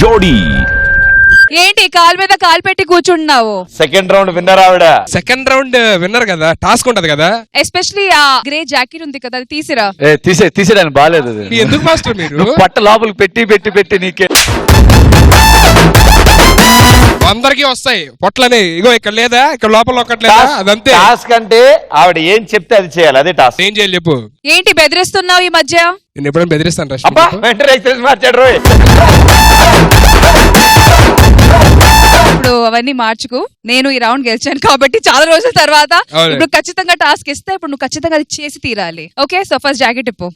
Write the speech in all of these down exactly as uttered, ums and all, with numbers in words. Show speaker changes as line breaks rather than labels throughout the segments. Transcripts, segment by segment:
జోడీ.
ఏంటి కాలు మీద కాలు పెట్టి కూర్చుంటున్నావు?
సెకండ్ రౌండ్ విన్నర్ ఆవిడ.
సెకండ్ రౌండ్ విన్నర్ కదా, టాస్క్ ఉంటది కదా.
ఎస్పెషల్లీ ఆ గ్రే జాకెట్ ఉంది కదా, అది తీసిరా.
తీసే తీసేదాన్ని బాగాలేదు.
ఎందుకు మాస్టర్ మీరు
పట్ట లోపలికి పెట్టి పెట్టి పెట్టి నీకే
అందరికి వస్తాయి పొట్లని. ఇగో ఇక్కడ లేదా, ఇక్కడ లోపల ఒకటి లేదా, అదంతే.
టాస్క్ అంటే ఆవిడ ఏం చెప్తే అది చేయాలి, అదే టాస్క్.
ఏం చేయాలి చెప్పు.
ఏంటి బెదిరిస్తున్నావు ఈ మధ్య?
నేను ఎప్పుడైనా బెదిరిస్తాను రష్మి.
అబ్బా వెంటనే ఎక్స్ప్రెస్ మార్చాడు రోయ్.
ఇప్పుడు అవన్నీ మార్చుకు. నేను ఈ రౌండ్ గెలిచాను కాబట్టి చాలా రోజుల తర్వాత ఇప్పుడు ఖచ్చితంగా టాస్క్ ఇస్తే ఇప్పుడు నువ్వు ఖచ్చితంగా అది చేసి తీరాలి. ఓకే, సో ఫస్ట్ జాకెట్ ఇప్పు.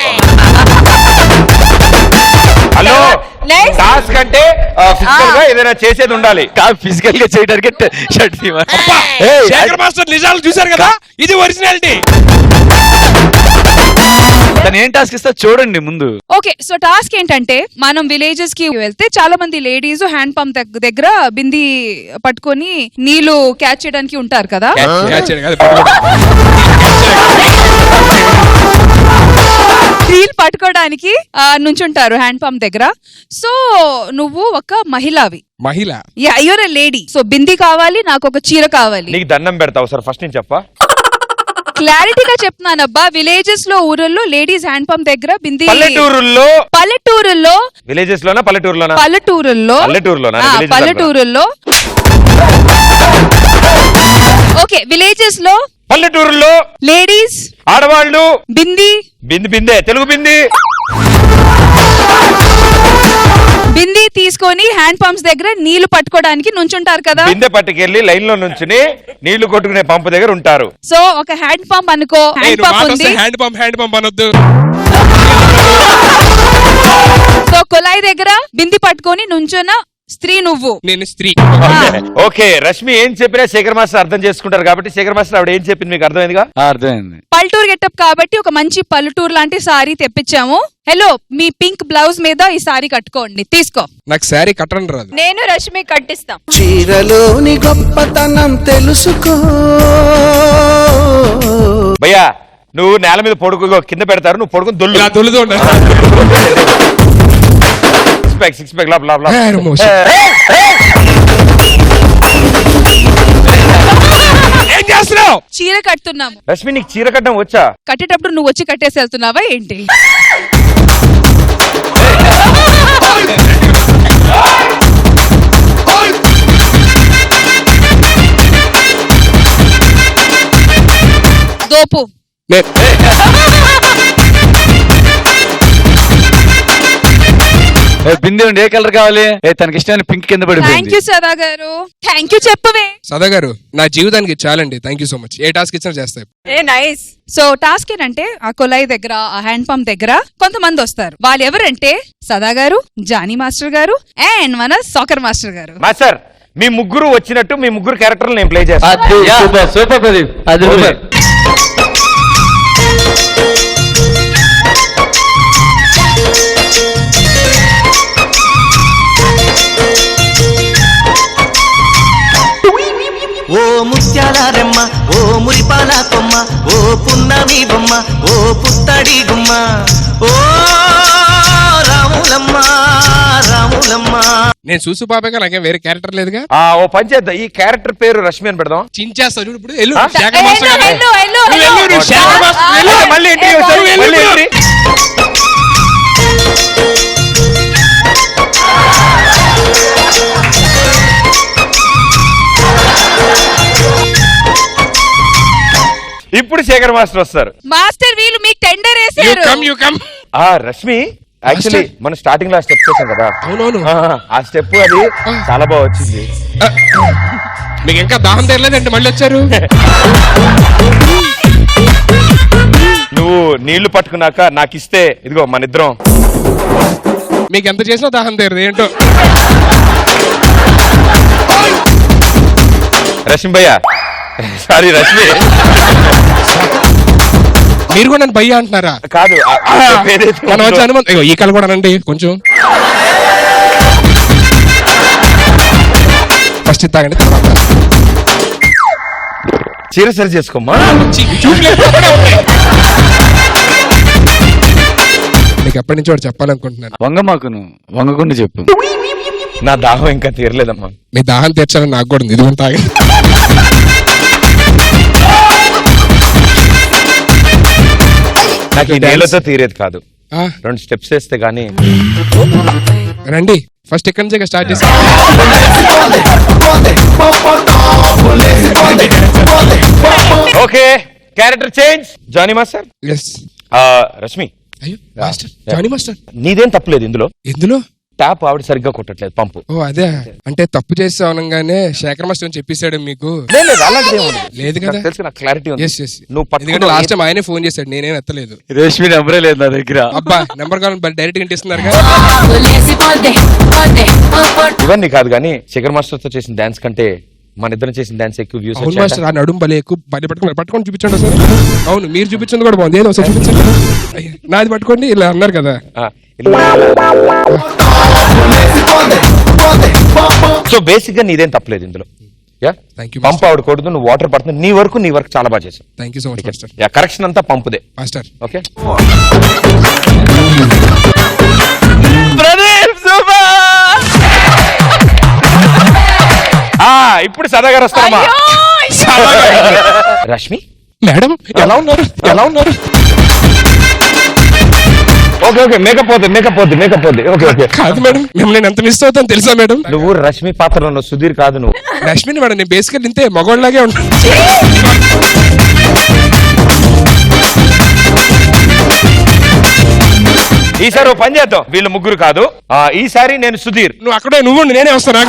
హలో, టాస్క్ అంటే ఫిజికల్ గా ఏదైనా చేసేది ఉండాలి.
ఫిజికల్ గా చేయడానికి షర్ట్
శేఖర్ మాస్టర్ నిజాలు చూశారు కదా, ఇది ఒరిజినాలిటీ.
తను ఏం టాస్క్ ఇస్తా చూడండి ముందు.
ఓకే, సో టాస్క్ ఏంటంటే మనం విలేజెస్ కి వెళ్తే చాలా మంది లేడీస్ హ్యాండ్ పంప్ దగ్గర బింది పట్టుకొని నీళ్లు క్యాచ్ చేయడానికి ఉంటారు కదా. నీళ్ళు పట్టుకోవడానికి నుంచుంటారు హ్యాండ్ పంప్ దగ్గర. సో నువ్వు ఒక మహిళవి.
మహిళ?
Yeah, you're a lady. So బింది కావాలి, నాకు ఒక చీర కావాలి.
నీకు దండం పెడతావు సార్, ఫస్ట్ నేను చెప్పా.
క్లారిటీగా చెప్తున్నానబ్బా. విలేజెస్ లో, ఊరల్లో లేడీస్ హ్యాండ్ పంప్ దగ్గర బింది.
పల్లెటూరుల్లో
పల్లెటూరుల్లో
విలేజెస్ లోనా పల్లెటూరులోనా?
పల్లెటూరుల్లో
పల్లెటూరులోనా?
పల్లెటూరుల్లో ఓకే, విలేజెస్ లో
పల్లెటూరుల్లో
లేడీస్
ఆడవాళ్ళు
బింది
బింది బిందే తెలుగు బింది
బింది తీసుకొని హ్యాండ్ పంప్స్ దగ్గర నీళ్లు పట్టుకోవడానికి నుంచుంటారు కదా.
బిందె పట్టుకెళ్లి లైన్ లో నుంచుని నీళ్లు కొట్టుకునే పంపు దగ్గర ఉంటారు.
సో ఒక హ్యాండ్ పంప్ అనుకో, హ్యాండ్ పంప్ ఉంది.
హ్యాండ్ పంప్ హ్యాండ్ పంప్ అనొద్దు.
సో కుళాయి దగ్గర బింది పట్టుకొని నుంచున్న స్త్రీ నువ్వు.
నేను స్త్రీ.
ఓకే, రష్మి ఏం చెప్పినా శేఖర్ మాస్టర్ అర్థం చేసుకుంటారు కాబట్టి శేఖర్ మాస్టర్ ఆవిడ ఏం చెప్పింది మీకు అర్థమైందిగా?
అర్థమైంది.
పల్లెటూరు గెటప్ కాబట్టి ఒక మంచి పల్లెటూరు లాంటి సారీ తెప్పించాము. హలో, మీ పింక్ బ్లౌజ్ మీద ఈ సారీ కట్టుకోండి, తీసుకో.
నాకు సారీ కట్టడం రాదు.
నేను రష్మి కట్టిస్తాం.
చీరలోని గొప్పతనం తెలుసుకో.
భయ్యా, నువ్వు నేల మీద పొడుగు కింద పెడతారు, నువ్వు పొడుకుని దొల్లు
దొల్లుతూ
సిక్స్ ప్యాక్ లాప్ లాప్ లాప్.
ఏం చేస్తున్నావు?
చీర కట్టున్నాము.
రష్మి, నీకు చీర కట్టడం వచ్చా?
కట్టేటప్పుడు నువ్వు వచ్చి కట్టేసి వెళ్తున్నావా ఏంటి? దోపు.
బిందె ఉండి ఏ కలర్ కావాలి? తనకి ఇష్టమైన పింక్ కింద పడి.
థ్యాంక్ యూ సదా గారు. థ్యాంక్ యూ చెప్పవే.
సదా గారు, నా జీవితానికి చాలండి. Thank you so much. ఏ టాస్క్ ఇచ్చినా చేస్తాయి.
A nice. సో టాస్క్ ఏంటంటే ఆ కుళాయి దగ్గర, ఆ హ్యాండ్ పంప్ దగ్గర కొంతమంది వస్తారు. వాళ్ళు ఎవరంటే సదా గారు, జానీ మాస్టర్ గారు అండ్ మన సాకర్ మాస్టర్ గారు.
మాస్టర్, మీ ముగ్గురు వచ్చినట్టు మీ ముగ్గురు క్యారెక్టర్లు నేను ప్లే చేస్తాను.
సూపర్ సూపర్ ప్రదీప్, అది సూపర్.
ఓ ముత్యాల రెమ్మ, ఓ మురిపాల కొమ్మ, ఓ పున్నమి బొమ్మ, ఓ పుత్తడి గుమ్మ, ఓ రాములమ్మ రాములమ్మ.
నేను చూసు పాపగా నాకేం వేరే క్యారెక్టర్ లేదుగా.
ఆ ఓ పని చేద్దాం, ఈ క్యారెక్టర్ పేరు రష్మి అని పెడదాం.
చించేస్తా చూడు. ఇప్పుడు ఎల్లు
ఆ?
శేఖర్ మాస్టర్ గారు.
ఎల్లు, ఎల్లు,
నువ్వు ఎల్లు, నువ్వు శేఖర్ మాస్టర్ ఎల్లు.
మళ్ళీ ఎంట్రీ వచ్చారు,
ఎల్లు,
మళ్ళీ
ఎల్లు.
ఎంట్రీ. ఇప్పుడు శేఖర్ మాస్టర్ వస్తారు.
మాస్టర్ వీళ్ళు మీకు టెండర్
You
వేసారు.
come, you come.
ఆ రష్మి, యాక్చువల్లీ మనం స్టార్టింగ్ లో స్టెప్ చేసాం కదా,
అవునవును.
ఆ, ఆ స్టెప్ అది చాలా బాగా వచ్చింది.
మీకు ఇంకా దాహం తెరలేదంటే మళ్ళీ వచ్చారు.
నువ్వు నీళ్లు పట్టుకున్నాక నాకు ఇస్తే ఇదిగో మన ఇద్దరం.
మీకు ఎంత చేసినా దాహం తీరదు ఏంటో.
రష్మి భయ్యా, సారీ రష్మి,
మీరు కూడా నన్ను భయ్యా అంటున్నారా?
కాదు ఆ- ఆ step ఏదైతే
మనం వచ్చి
ఉందో-
అనుమతి. ఇగో ఈ కళ కూడా అనండి కొంచెం. ఫస్ట్ తాగండి, తర్వాత
చీర సరి చేసుకోమ్మా.
చి- చూపులు ఎప్పుడు అక్కడే ఉంటాయి. మీకు ఎప్పటి నుంచి వాడు చెప్పాలనుకుంటున్నాను.
వంగమాకును వంగకుండా చెప్పు.
నా దాహం ఇంకా తీరలేదమ్మా.
మీ దాహం తీర్చాలని నాకు కూడా ఉంది. ఇది తాగి
నాకు ఈ నేలతో తీరేది కాదు.
ఆ,
రెండు స్టెప్స్ వేస్తే గానీ.
రండి ఫస్ట్ ఇక్కడి నుంచే స్టార్ట్ చేసి.
Okay, character change. Johnny master.
Yes.
Rashmi,
అయ్యో మాస్టర్, జానీ మాస్టర్,
నీదేం తప్పలేదు ఇందులో.
ఎందులో?
ట్యాప్ ఆవిడ సరిగ్గా కొట్టట్లేదు, పంపు.
ఓ అదే, అంటే తప్పు చేసి అనగానే శేఖర్ మాస్టర్ అని చెప్పేశాడు మీకు.
లేదు, లేదు, అలాంటిది ఏం ఉండదు.
లేదు కదా,
నాకు తెలుసు, నాకు క్లారిటీ ఉంది.
Yes yes.
నువ్వు
ఎందుకంటే
పట్టుకున్న
లాస్ట్ టైం ఆయనే ఫోన్ చేశాడు, నేనేం ఎత్తలేదు.
రేష్మి నెంబరే లేదు నా దగ్గర.
అబ్బా నెంబర్ కావాలి డైరెక్ట్ గా ఇంటిస్తున్నారు కదా.
ఇవన్నీ కాదు కానీ శేఖర్ మాస్టర్ తో చేసిన డాన్స్ కంటే మన ఇద్దరం చేసిన డాన్స్ ఎక్కువ వ్యూస్
అవును మాస్టర్, ఆ నడుము భలే ఎక్కువ భలే పట్టుకుని పట్టుకొని చూపించండి సార్. అవును, మీరు చూపించింది కూడా బాగుంది. ఏదో ఒకసారి చూపించండి. అయ్య, నాది పట్టుకోండి, ఇలా అన్నారు కదా.
సో బేసిక్ గా నీదేం తప్పలేదు ఇందులో. యా,
థ్యాంక్ యూ
పంప్ ఆవిడ కొడుతు, నువ్వు వాటర్ పడుతుంది. నీ వరకు నీ వరకు చాలా బాగా చేసావు.
Thank you so much master.
Yeah, correction అంతా పంపుదే
మాస్టర్.
ఓకే. ఇప్పుడు సదా గారు వస్తామా? రష్మి
మేడం ఎలా ఉన్నారు? ఎలా ఉన్నారు?
ఓకే ఓకే, మేకప్ పోతుంది, మేకప్ పోతుంది, మేకప్ పోతుంది. Okay okay.
కాదు మేడం, మిమ్మల్ని నేను ఎంత మిస్ అవుతాను తెలుసా మేడం?
నువ్వు రష్మి పాత్రలో ఉన్నావు, సుధీర్ కాదు నువ్వు.
రష్మిని మేడం, నేను బేసికల్ ఇంతే మగవాళ్ళలాగే ఉంటాను.
ఈసారి ఓ పని చేద్దాం, వీళ్ళు ముగ్గురు కాదు, ఆ ఈసారి నేను సుధీర్.
నువ్వు అక్కడే నువ్వు నేనే వస్తాను.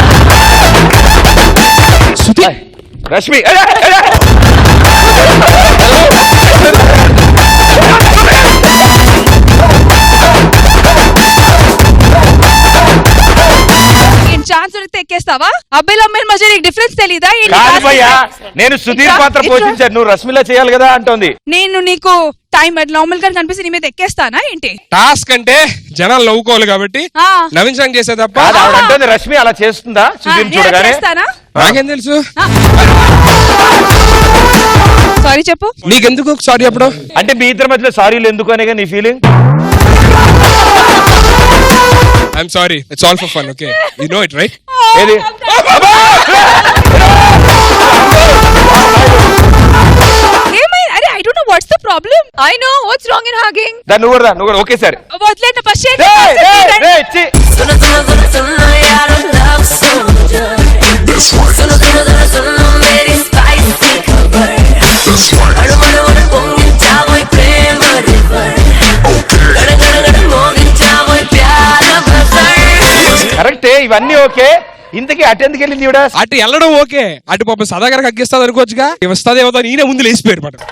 సుధీర్,
రష్మి అరే, అరే.
ఛాన్స్ దొరికితే ఎక్కేస్తావా? అబ్బాయిలు అమ్మాయిల మధ్య నీకు డిఫరెన్స్ తెలీదా? ఏంటి
కాదు
task
భయ్యా,
ఇంకా?
నేను సుధీర్
ఇంకా?
పాత్ర
ఇట్లా?
పోషించాను, నువ్వు రష్మిలా చేయాలి కదా అంటోంది.
నేను నీకు టైం నార్మల్ గా కనిపిస్తే నీ మీద ఎక్కేస్తానా ఏంటి?
టాస్క్ అంటే జనాలు నవ్వుకోవాలి కాబట్టి
ఆ.
నవ్వించడానికి చేసే తప్ప.
కాదు, ఆవిడ అంటోంది రష్మి అలా చేస్తుందా
ఆ,
సుధీర్
నేను
చూడగానే?
చేస్తానా?
నాకేం తెలుసు?
సారీ చెప్పు.
నీకెందుకు సారీ అప్పుడు?
అంటే మీ ఇద్దరి మధ్యలో సారీలు ఎందుకు అనేగా నీ feeling?
I'm sorry, it's all for fun. Okay, you know it right?
ఏది?
ఏమైంది? అరే I don't know what's the problem. I know what's wrong in hugging.
దా నువ్వు కూడా దా, నువ్వు కూడా. Okay sir.
వదిలేండి ఫస్ట్.
రేయ్, రేయ్, రేయ్, ఛీ. కరెక్టే, ఇవన్నీ ఓకే. ఇంతకీ అటెందుకు వెళ్ళింది ఈవిడ?
అటు వెళ్ళడం ఓకే, అటు పాపం సదాగారికి అగ్గిస్తుంది అనుకోవచ్చుగా. వస్తుంది ఏమో ఈయన ముందు లేచిపోయారు మాట.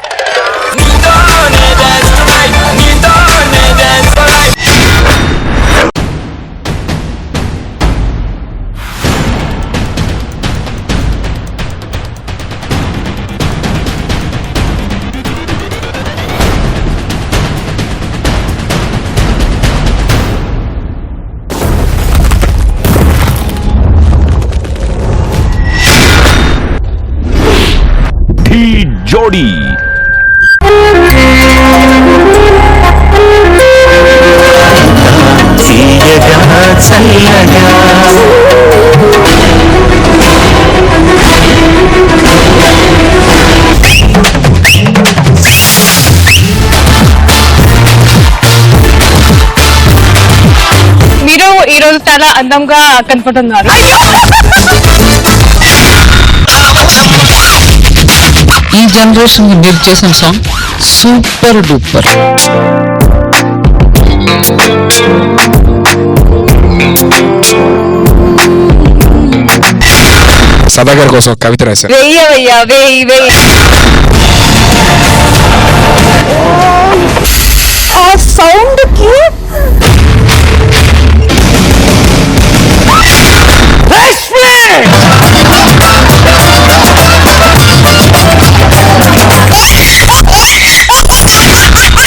జోడీ
తీయగా చల్లగా
మీరు ఈ రోజు చాలా అందంగా కనపడుతున్నారు.
ఈ జనరేషన్ మీరు చేసిన సాంగ్ సూపర్ డూపర్.
సదాగారి కోసం ఒక కవిత రాశారు.
వెయ్యవయ్యా వెయ్యి వెయ్యి. ఆ సౌండ్ కి
రష్మి